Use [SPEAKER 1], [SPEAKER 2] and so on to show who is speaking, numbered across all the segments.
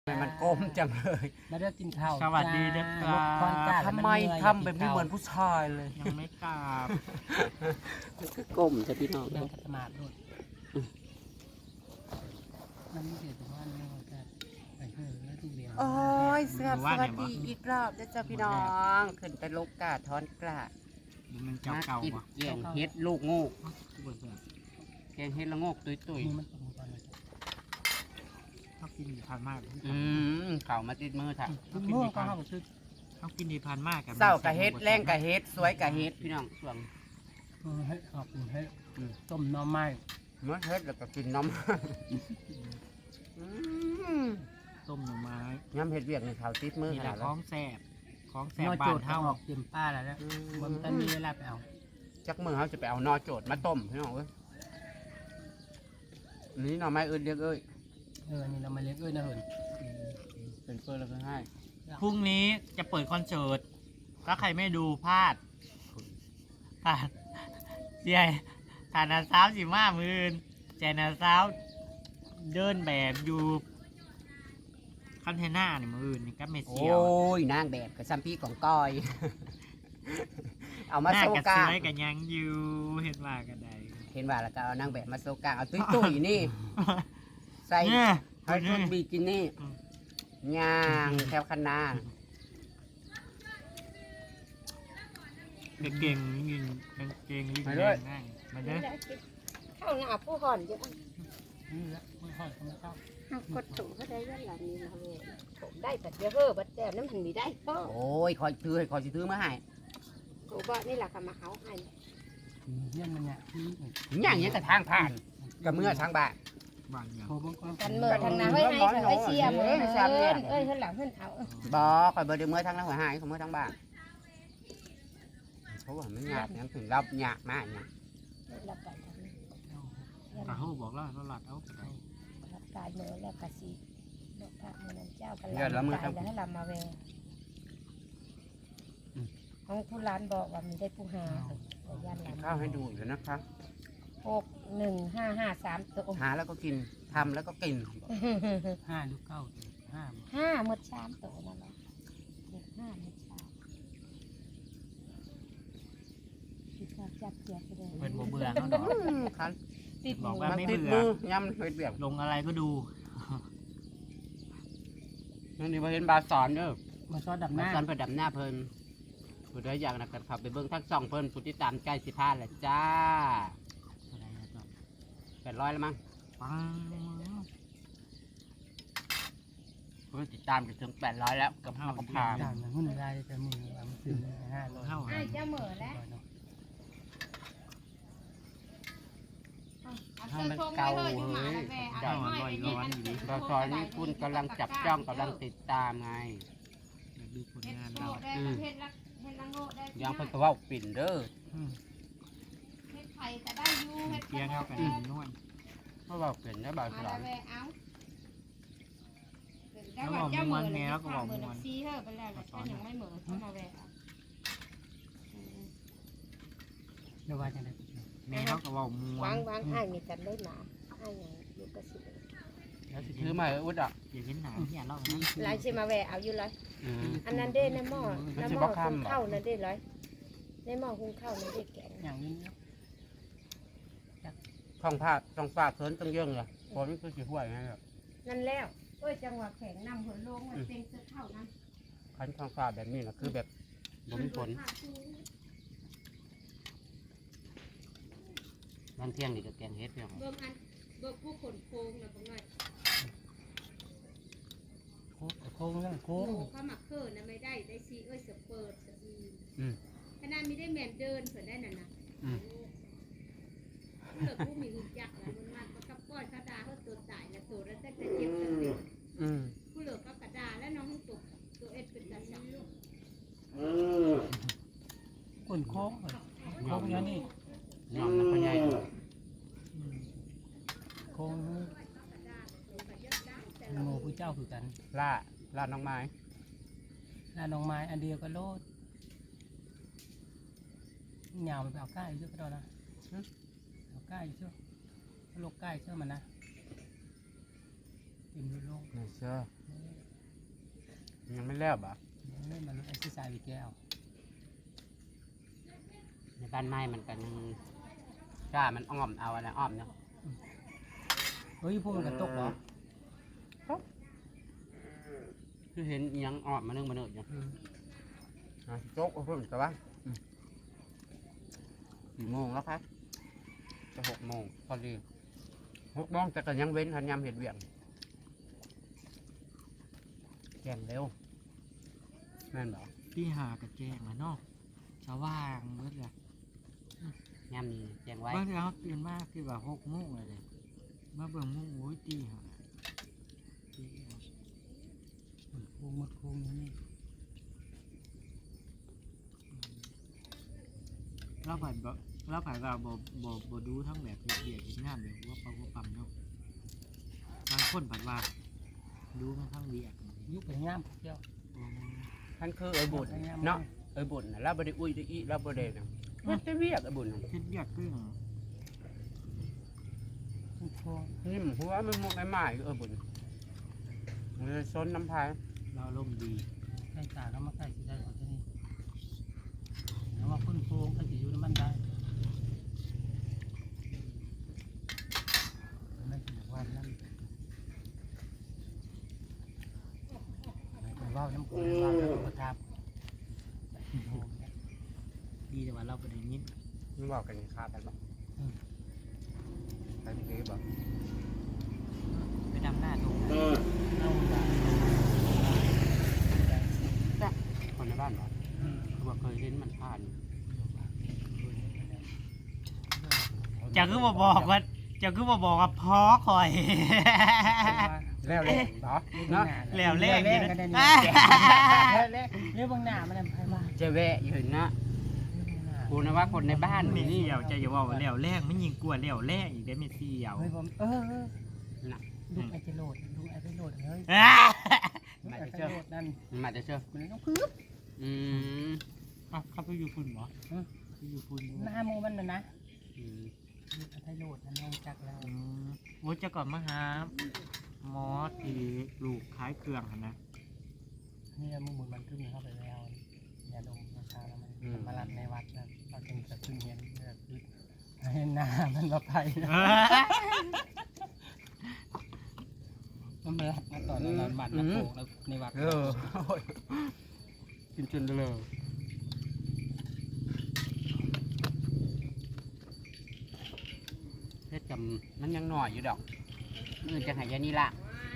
[SPEAKER 1] มันก้มจังเลย
[SPEAKER 2] มาเด้อกินข้าว
[SPEAKER 3] สวัสดีเด็กค
[SPEAKER 2] จ้า
[SPEAKER 3] รับ
[SPEAKER 2] คอนจ้า
[SPEAKER 1] ทำไมทำแบบนี้เหมือนผู้ชายเลย
[SPEAKER 3] ยังไม่กลับ
[SPEAKER 1] มันก็ก้มจะพี่น้อง
[SPEAKER 2] เดินขัดสมาธิด้วยมันไม่เกี่ยวกับว่าเนี่ยแต่ไปเถอะแล้วที่เดียว
[SPEAKER 1] โอ้ยสวัสดีอีกรอบนะจ๊ะพี่น้อง ขึ้นไปลกกาทอนกล้า
[SPEAKER 3] มันเจ้าเก่า
[SPEAKER 1] กิน
[SPEAKER 3] ปะ
[SPEAKER 1] แกงเฮ็ดลูกโงก
[SPEAKER 3] กูเบื่อ
[SPEAKER 1] แกงเฮ็ดละโงกตุย
[SPEAKER 2] นี่มันตรงก่อนเลย
[SPEAKER 3] เขากินดีพันมาก
[SPEAKER 1] เข่ามาติดมือถ่ะ
[SPEAKER 2] ทุกโมงก็เข้าไปซื้อ
[SPEAKER 3] เขากินดีพันมากกับ
[SPEAKER 1] เศร้ากะเฮ็ดแรงกะเฮ็ดสวยกะเฮ็ดพี่น้องส่วน
[SPEAKER 2] ให้ขอบคุณให้ต้มหน่อไม้
[SPEAKER 1] เมื่อเฮ็ดแล้วก็กินน้ำ
[SPEAKER 3] ต้มหน่อไม้
[SPEAKER 1] ย้ำเฮ็ดเวียกในเขาติดมือ
[SPEAKER 3] นี่
[SPEAKER 1] ข
[SPEAKER 3] แหละ
[SPEAKER 1] นาด
[SPEAKER 3] ข
[SPEAKER 1] แล้
[SPEAKER 3] อ
[SPEAKER 1] ว
[SPEAKER 3] งแสบของแส
[SPEAKER 2] น
[SPEAKER 3] บ
[SPEAKER 2] อ
[SPEAKER 3] บ้า
[SPEAKER 2] โจ
[SPEAKER 3] น
[SPEAKER 2] ทย์
[SPEAKER 3] เท่า
[SPEAKER 2] ออกเต็มป้าแล้วนะมันต้องมีเวลาไปเอา
[SPEAKER 1] จักมือเขาจะไปเอานอโจดมาต้มพี่น้องเอ้ยนี่หน่อไม้อื่นเรียกเอ้ย
[SPEAKER 2] นี่เรามาเลี้ยงนะเหิน
[SPEAKER 1] เป็นเฟิร์นแล้วก็ให้
[SPEAKER 3] พรุ่งนี้จะเปิดคอนเสิร์ตถ้าใครไม่ดูพลาดเดี๋ยวฐานะสาว15 มื้อแจนาสาวเดินแบบอยู่คันเทน่านี่มือนี่ก็เมเซี
[SPEAKER 1] โอ้
[SPEAKER 3] ยวย
[SPEAKER 1] นางแบบกับซัมพี่ของก้อย เอามา
[SPEAKER 3] หน้า
[SPEAKER 1] โซ
[SPEAKER 3] กับ
[SPEAKER 1] กา
[SPEAKER 3] เสือกันยังอยู่เห็นว่ากันได้
[SPEAKER 1] เห็นว่าแล้วก็เอานางแบบมาโซกาเอาตุ้ยๆนี่ ใส่
[SPEAKER 3] เนี่ย
[SPEAKER 1] ให้ชุดบิกินี่ย่างแถวคันนา
[SPEAKER 3] กางเกงยิงกางเกงลิงแดงง่ายมาเด้อ
[SPEAKER 4] เข้าหน้าผู้ห่อนเยอะ
[SPEAKER 2] นี่แหละไม่ค่อยเขาไม่เข้าก
[SPEAKER 4] ดถูกเขาได้ยันหลังนี้มาเลยถูกได้แต่เดี๋ยวเฮ้อบัดแต้มน้ำหันมีได้ก็
[SPEAKER 1] โอ้ยคอยถือให้คอยสิถือมาให้
[SPEAKER 4] ถูกบ่นี่แหละก็มาเขาให้
[SPEAKER 2] เยี่ยมมันเนี่ยที่
[SPEAKER 1] ย่างเงี้ยแต่ทางผ่านกับเมื่อทางบ้าน
[SPEAKER 3] บางอย่าง
[SPEAKER 2] โคบงก้อน
[SPEAKER 4] กันเมื่อทางนาเฮ้ยให้เฮ้ยเชียร์มือเอ้ยเฮ้ยหลังเฮ้ยเอา
[SPEAKER 1] บ่คอยเบอร์เดือเมื่อทางนั้นหัวหายของเมื่อทางบ้านเพราะว่ามันหยาบยังถึงรับหยาบมากเนี่ย
[SPEAKER 4] รับไปทางนี้
[SPEAKER 3] ตาเขาบอกแล้วเราหลัดเอาไปได้
[SPEAKER 4] รับกายมือแล้วกะสีดอกพระมือนั่นเจ้ากันแล้วให้ลำมาแวของผู้ร้านบอกว่ามีได้ผู้หายันหลัง
[SPEAKER 1] ข้าวให้ดูอยู่นะครับ
[SPEAKER 4] 61553ตัว
[SPEAKER 1] หาแล้วก็กินทำแล้วก็กิน
[SPEAKER 2] 5 หรือ 9 5
[SPEAKER 4] 5หมดชามตัวนั่นแหละ5หมดชามที่ชอบจับเจียบไปเลย
[SPEAKER 3] เป็นบ่เบื่อเขาดอก
[SPEAKER 1] คัน
[SPEAKER 4] ติด
[SPEAKER 3] บอก
[SPEAKER 4] มื
[SPEAKER 3] ว่า
[SPEAKER 4] อ
[SPEAKER 3] ไม่
[SPEAKER 1] ติด
[SPEAKER 3] เบื่อ
[SPEAKER 1] มือย่ำเคยเบี่ยง
[SPEAKER 3] ลงอะไรก็ดู
[SPEAKER 1] นั่นนี่มาเห็นบาสอนเด้อ
[SPEAKER 2] มาซอสดับห
[SPEAKER 1] บา
[SPEAKER 2] น้า
[SPEAKER 1] สอนไปดับหน้าเพิ่นผู้ใดอยากนะกันขับไปเบิ่งทั้งสองเพิ่นผู้ที่ตามใกล้สิพาแหละจ้า
[SPEAKER 3] อะไรนะจ๊ะ
[SPEAKER 1] 800แล้วมั้ง
[SPEAKER 3] ปัง
[SPEAKER 1] เพิ่นติดตามกันถึง800แล้วกับข้าวกับพา
[SPEAKER 2] ต่างกันหุ้นรายแต่มือมันซื้อ500
[SPEAKER 3] เข้า
[SPEAKER 4] ไอ้เจ้าเหม่อแล้ว
[SPEAKER 1] ให้มันเก่าเฮ้ย
[SPEAKER 3] เจ้าลอยร้อนอยู่ดิ
[SPEAKER 1] บาสอนนี่คุณกำลังจับจ้องกำลังติดตามไง
[SPEAKER 3] อยากดูผลงาน
[SPEAKER 4] โง่
[SPEAKER 3] เรา
[SPEAKER 4] ได้เฮ็ดละเฮ็ดละโง่ได้
[SPEAKER 1] ยังเพิ่นก็เว้าปิ่นเด้อ
[SPEAKER 4] เฮ็ดไข่ก็ได้อยู่เฮ็ด
[SPEAKER 3] เพียงเข้ากันนวล
[SPEAKER 1] เพราะเว้าปิ่นนะบาส
[SPEAKER 4] มา
[SPEAKER 1] อน
[SPEAKER 4] แวเอาได้ว่าเจ้าเหม่อแล้วก็บอกเหม่อซีเฮ้อไปแล้วก็ยังไม่เหม่อเข้ามาแวะ
[SPEAKER 2] เดี๋ยวว่าจะได้
[SPEAKER 3] แม่เขาก็บอกมว
[SPEAKER 4] วาน งอ้ายมีกันได้หนาอ้ายยังอยู่กระสิ
[SPEAKER 1] แล้วสิถือมาให้อุดอ่ะ
[SPEAKER 3] อย่าเห็นหนาเนี่ยเรานะ
[SPEAKER 4] หลายสิมาแวะเอาอยู่เลย
[SPEAKER 1] อืม
[SPEAKER 4] อันนั้นเด้ในหม้อในหม้อหุงข้าวนั่นเด้เลยในหม้อหุงข้าวนั่นเด้แกง
[SPEAKER 2] อย่างนี้
[SPEAKER 1] ท้องผ้าท้องฟ้าเคินต้องเยื่องเลยฝนคือสิห่วยไงครับ
[SPEAKER 4] นั่นแล้วเอ้ยจังหวะแข็งนำหัวลงมันเป็นเสื้อข้าวนั้น
[SPEAKER 1] คันท้องฟ้าแบบนี้นะคือแบบบ่มีฝนบางเที่ยงนี่ก็แกงเฮ็ดเพียง
[SPEAKER 4] เบิ่งอันเบิ่งผู้คนโค้งนะบ่น้อย
[SPEAKER 2] โค้งเรื่องโค้
[SPEAKER 4] โอ้
[SPEAKER 2] ง
[SPEAKER 4] เขามักเคินนะไม่ได้ได้ซีเอ้ยสเปิดสอี
[SPEAKER 1] อืม
[SPEAKER 4] ขนาดมีได้แม่นเดินเพิ่นได้นั่นน่ะ
[SPEAKER 1] อืม
[SPEAKER 4] เลิกผู้มีหุ่นจักรแล้วมันมากับก้อยกระดาเขาตัวตายแล้วตัวแล้วแต่จะเจ็บจะเจ็บ
[SPEAKER 1] อืม
[SPEAKER 4] ผู้เลิกก็กระดาแล้วน้องตัวเอ็ดเป็นตาสัง
[SPEAKER 2] ก้นโค้งโค้งอย่างนี้
[SPEAKER 1] ยอมนะพ่อใหญ่
[SPEAKER 2] โค้งโง่ผู้เจ้าคือกัน
[SPEAKER 1] ล่าล่าน้องไม้
[SPEAKER 2] แล้วน้องไม้อันเดียวก็โลดเหงามันไปเอาใกล้เยอะก็ได้นะเอาใกล้เชื่อโลกใกล้เชื่อมันนะเต็มโลก
[SPEAKER 1] นี่เชื่อ
[SPEAKER 2] เ
[SPEAKER 1] ยังไม่แล้วบ่
[SPEAKER 2] นี่มันไอ้ที่ใส่แก้ว
[SPEAKER 1] ในบ้านไม้มันกันยังกล้ามันอ้อมเอาอะไรอ้อมเนาะ
[SPEAKER 2] เฮ้ยพวกมันกระตกเหรอ
[SPEAKER 1] คือเห็นอิหยังอ้อมมานึ่งมาเนื้อย่างโจ๊กเอาเพิ่มแต่ว่า4 โมงแล้วครับจะ6 โมงพอดี6 โมงแต่ก็ยังเว้นทันยำเห็ดเวียงแข่งเร็วแม่นบอก
[SPEAKER 3] ที่หากระแจงอะเนาะสว่างเบิดเลย
[SPEAKER 1] ยำนี้แจ้งไว้
[SPEAKER 3] บางทีเขาตื่นมากคือว่า6 โมงเลยมาเบิ่งโมงโอ้ยตีหาตี
[SPEAKER 2] โค้งหมดโค้งนี่
[SPEAKER 3] เราผ่านบ่เราผ่านว่าบ่ดูทั้งแบบเดียดงานแบบว่าปั๊มเนาะบางคนผ่านว่าดูมันทั้งเวียก
[SPEAKER 2] ยุบไปย่ามเจ้า
[SPEAKER 1] ท่านคือเอ้ยบุญเนาะเอ้ยบุญนะเราบ่ได้อุ้ยได้อีเราบ่ได้นะมันจะเวียกเอ้ยบุญน่ะ
[SPEAKER 3] เฮ็ดเวียกคือ
[SPEAKER 2] โค้ง
[SPEAKER 1] นี่มันหัวมันมุกไม้ๆเอ้ยบุญมันเลยซนน้ำพาย
[SPEAKER 3] เราลมณ์ดี
[SPEAKER 2] ใส่ตาแล้วมาใส่ที่ได้ของที่นี่แล้วมาพ่นโค้งก็จะอยู่ในมันได้ไม่ถึงวันนั้นว่าวน้ำโขงว่าวน้ำประทับ
[SPEAKER 3] ดีแต่ว่าเราบ่ได้ยิน
[SPEAKER 1] มันบอกกันคากันบ่ไปที่นี่บ่
[SPEAKER 3] ไปดำหน้าตรง
[SPEAKER 1] คนในบ้านบ่เขาบอกเคยเห็นมันผ่าน
[SPEAKER 3] จะคือบ่บอกว่าพอคอย
[SPEAKER 1] แล้วเลยเนาะเนาะ
[SPEAKER 3] แล้วแรก
[SPEAKER 2] แร
[SPEAKER 3] นี่
[SPEAKER 2] ก
[SPEAKER 3] นะ
[SPEAKER 2] ก็ได้
[SPEAKER 3] อ่า
[SPEAKER 2] แรกเรื่องบางหน้ามันอะไรมา
[SPEAKER 1] จะแวะอยู่นะกูนะว่าคนในบ้าน
[SPEAKER 3] ไม่
[SPEAKER 1] นี่
[SPEAKER 3] เสี่ยวจะอย่าว่าแล้วแรกไม่ยิงกลัวแล้วแรกอีกได้ไม่เสี่ยว
[SPEAKER 2] เฮ้ยผมลูกไอจะโหลดลูกไอจะโหลดเฮ้ย
[SPEAKER 1] มา
[SPEAKER 2] ไอ
[SPEAKER 1] จะ
[SPEAKER 2] จะ
[SPEAKER 1] เชื่อ
[SPEAKER 2] โหลดนั่น
[SPEAKER 1] มาจะเชื่อ
[SPEAKER 2] มันต้องพึ่ง
[SPEAKER 1] อืม
[SPEAKER 3] อ่ะเขาไปอยู่คุณเหรอไปอยู่คุณ
[SPEAKER 2] หน้ามูมันนะ
[SPEAKER 1] อืม
[SPEAKER 2] ลูกไอจะโหลดนั่นลงจักแล้ว
[SPEAKER 3] โอ้จะก่อนมาหาหมอที่ลูกขายเครื่องหั่นนะ
[SPEAKER 2] นี่มูมุนมันขึ้นเข้าไปแล้วอย่าดมราคาแล้วมันมาลัดในวัดนะเราจึงจะขึ้นเห็นแบบให้หน้ามันมาไปมันมาลัดมาต่อแล้วบัตรมาโผล่แล้วในวัด
[SPEAKER 1] กินจนเลยเพชรจำมันยังหน่อยอยู่ดอกมือจะหายยานี่ละ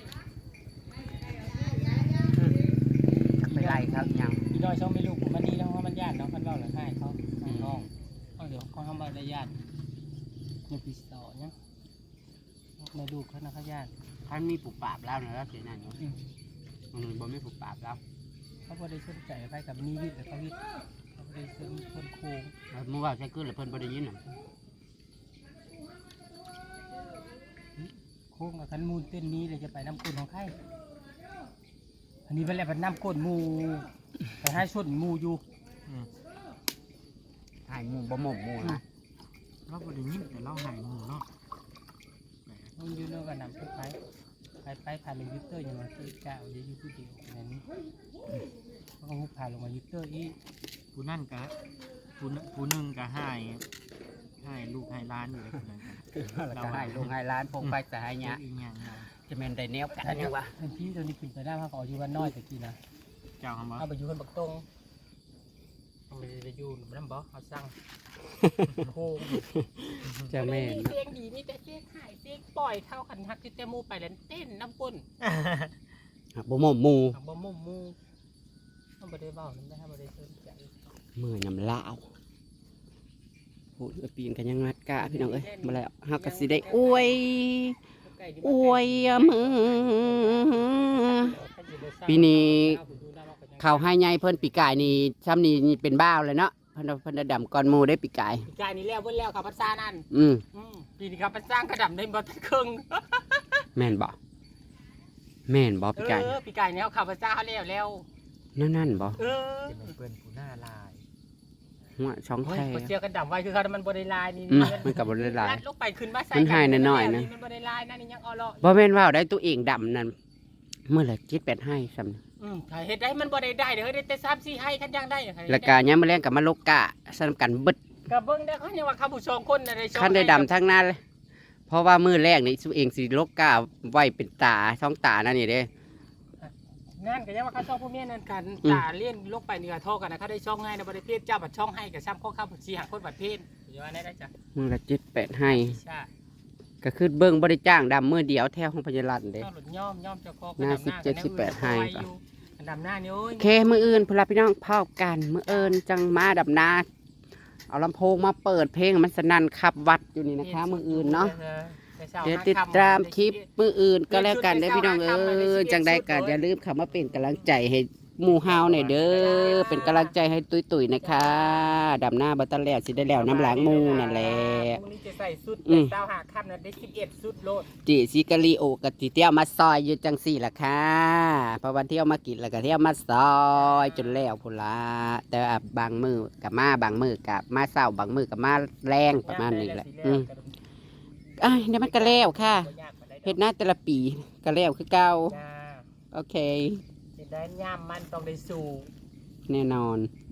[SPEAKER 1] ไปไล่ครับยัง
[SPEAKER 2] อีดอยช่องไม่ลูกมันดีแล้วเพราะมันญาติเนาะมันเล่าหรือให้เขาน้องเอาเดี๋ยวเขาทำอะไรญาติในปีสองเนี่ยไม่ลูกเขานะเขาญาติ
[SPEAKER 1] ท่านมีปลูกปราบแล้วนะแล้วเสียนั่นอยู่มันบ่ไม่ปลูกปราบแล้ว
[SPEAKER 2] เขาบ่ได้สนใจไปกับนี่วิทย์แต่เขาวิทย์เขาบ่ได้สนคนโค้ง
[SPEAKER 1] เมื่อวานใช้ขึ้นแล้วเพิ่นบ่ได้ยินน่ะ
[SPEAKER 2] โค้งกับขันมูลเต้นนี้เลยจะไปน้ำก้นของใครอันนี้เป็นอะไรเป็นน้ำก้นมูไปให้ส่วนมูอยู่
[SPEAKER 1] หายหมูบ่หมกหมูนะ
[SPEAKER 3] เราบริยินแต่เราหายหมูเนาะ
[SPEAKER 2] มันอยู่เรื่องกับน้ำไปผ่านลงยูเตอร์อย่างมันคือเจ้าจะอยู่ผู้เดียวอย่างนี้เขาก็ผ่านลงมายูเตอร์อีก
[SPEAKER 3] ผู้นั่นกะผู้หนึ่งกะให้ลูกให้ร้านอยู่เลยคนนั้นกะ
[SPEAKER 1] เราให้ลงให้ร้านพงไปแต่ให้เนี้ย
[SPEAKER 3] อีกอย่างหนึ่ง
[SPEAKER 1] จะเป็นไดแนวกันอยู่วะ
[SPEAKER 2] เป็นพี่ตัวนี้ปิดไปได้มากกว่าอยู่วันน้อยแต่กี้นะ
[SPEAKER 3] เจ้าคำว่า
[SPEAKER 2] เอาไปอยู่คนบักตรงเอาไปอยู่น้ำบ่เอาสั่งโค้ง
[SPEAKER 1] จะแม่น
[SPEAKER 2] เสียงดีมีแต่เสียงหายเสียงปล่อยเท่าขันทักที่เตมูไปแล้วเต้นน้ำก้น
[SPEAKER 1] บ่หมกหมู
[SPEAKER 2] บ่มุมมูต้องไปได้เบ้านั่นได้บ่ได้สนใจ
[SPEAKER 1] มือยำลาวโอ้ยปีนกันยังงัดกะพี่น้องเอ้ยมาแล้วเฮาก็สิได้อวยมือปีนี้เขาให้ใหญ่เพิ่นปีกายนี่ซ้ำนี่เป็นบ้าวเลยเนาะเพิ่นดำก่อนหมู่ได้ปีกาย
[SPEAKER 2] ปีกายนี้แล้วเบิ่แล้วกับภาษานั่น ปีนี้กับภาษากระดำได้บ่ทันครึ่ง
[SPEAKER 1] แม่นบ่ปีกาย
[SPEAKER 2] ปีกายนี้เขาขับภาษาเขาแล้ว
[SPEAKER 1] นั่นบ่
[SPEAKER 3] เป็นเพื่อนผู้หน้าลาย
[SPEAKER 1] หัวช่อง
[SPEAKER 2] เฮ้ย
[SPEAKER 1] แท้
[SPEAKER 2] บ่เจียวกระดำไว้คือเขามันบ่ได้ลายนี่
[SPEAKER 1] มันก็บ่ได้หลาย
[SPEAKER 2] ลัดลงไปขึ้นมาใส่
[SPEAKER 1] มันหายหน่อยๆนะ
[SPEAKER 2] มันบ่ได้ลายนั่นนี่ยังเอาเลาะ
[SPEAKER 1] บ่แม่นว่าได้ตัวเองดำนั่นเมื่อละ7-8ให้ซ้
[SPEAKER 2] ถ้าเฮ็ดได้มันบ่ได้เด้อเฮ้ยได้แต่3-4ให้คันย่างได้
[SPEAKER 1] ำแล้วก็ยามมื้อแรงก็มาลกกะสนำกันเบิด
[SPEAKER 2] ก็เบิ่งได้เขายังว่าเขาผู้สองคนน่ะได้สอง
[SPEAKER 1] คันได้ดำทั้งนั้นเลยเพราะว่ามื้อแรกนี่สุเองสิลกกะไว้เป็นตาช่องตานั่นนี่เด้
[SPEAKER 2] งานก็ยังว่าเขาช่องผู้เมียนั่นกันตาเลี้ยนลงไปนี่ก็โทรกันนะเขาได้ช่องให้นะบ่ได้เพศเจ้าบัดช่องให้ก็ซ้ำข้อข้าวสิหาคนบัดเพศอยู่ว่าได้จ้ะ
[SPEAKER 1] มื้อละ7-8ให้
[SPEAKER 2] ใช่
[SPEAKER 1] ก็คือเบิ่งบ่ได้จ้างดำมื้อเดียวแถวของพญารัตน์เด้
[SPEAKER 2] เจ้าหลุดย่อมเจ้าคอ
[SPEAKER 1] หน้า17-18ให้ก่อน
[SPEAKER 2] ดำหน้านี่โอ้ย
[SPEAKER 1] โอเคมื้ออื่นพุ่นล่ะพี่น้องพบกันมื้ออื่นจังมาดำนาเอาลำโพงมาเปิดเพลงมันสนั่นขับวัดอยู่นี่นะคะมื้ออื่นเนาะเดี๋ยวติดตามคลิปมื้ออื่นก็แล้วกันเด้อพี่น้องจังใดก็อย่าลืมเข้ามาเป็นกำลังใจให้หมู่เฮาหน่อยเด้อเป็นกำลังใจให้ตุ้ยๆนะคะดำหน้าบ่ทันแล้วสิได้แล้วน้ำหลังหมู่นั่นแหละ
[SPEAKER 2] มื้อนี้จะใส่สุด
[SPEAKER 1] อืม
[SPEAKER 2] เจ้าหาค่ำน่ะได้11สุดโลด
[SPEAKER 1] จิซิกะลีโอกับจิเที่ยวมาซอยอยู่จังสี่ล่ะค่ะเพราะวันเที่ยวมากินแล้วก็เที่ยวมาซอยจนแล้วพุ่นละแต่ว่าบางมือกับมาบางมือกับมาเศร้าบางมือกับมาแรงประมาณนี้แหละอ่ะเดี๋ยวมันก็แล้วค่ะเฮ็ดหน้าแต่ละปีก็แล้วคือเก่า
[SPEAKER 2] จ้า
[SPEAKER 1] โอเค
[SPEAKER 2] สิได้ย่ามมันต้องได้สู่
[SPEAKER 1] แน่นอน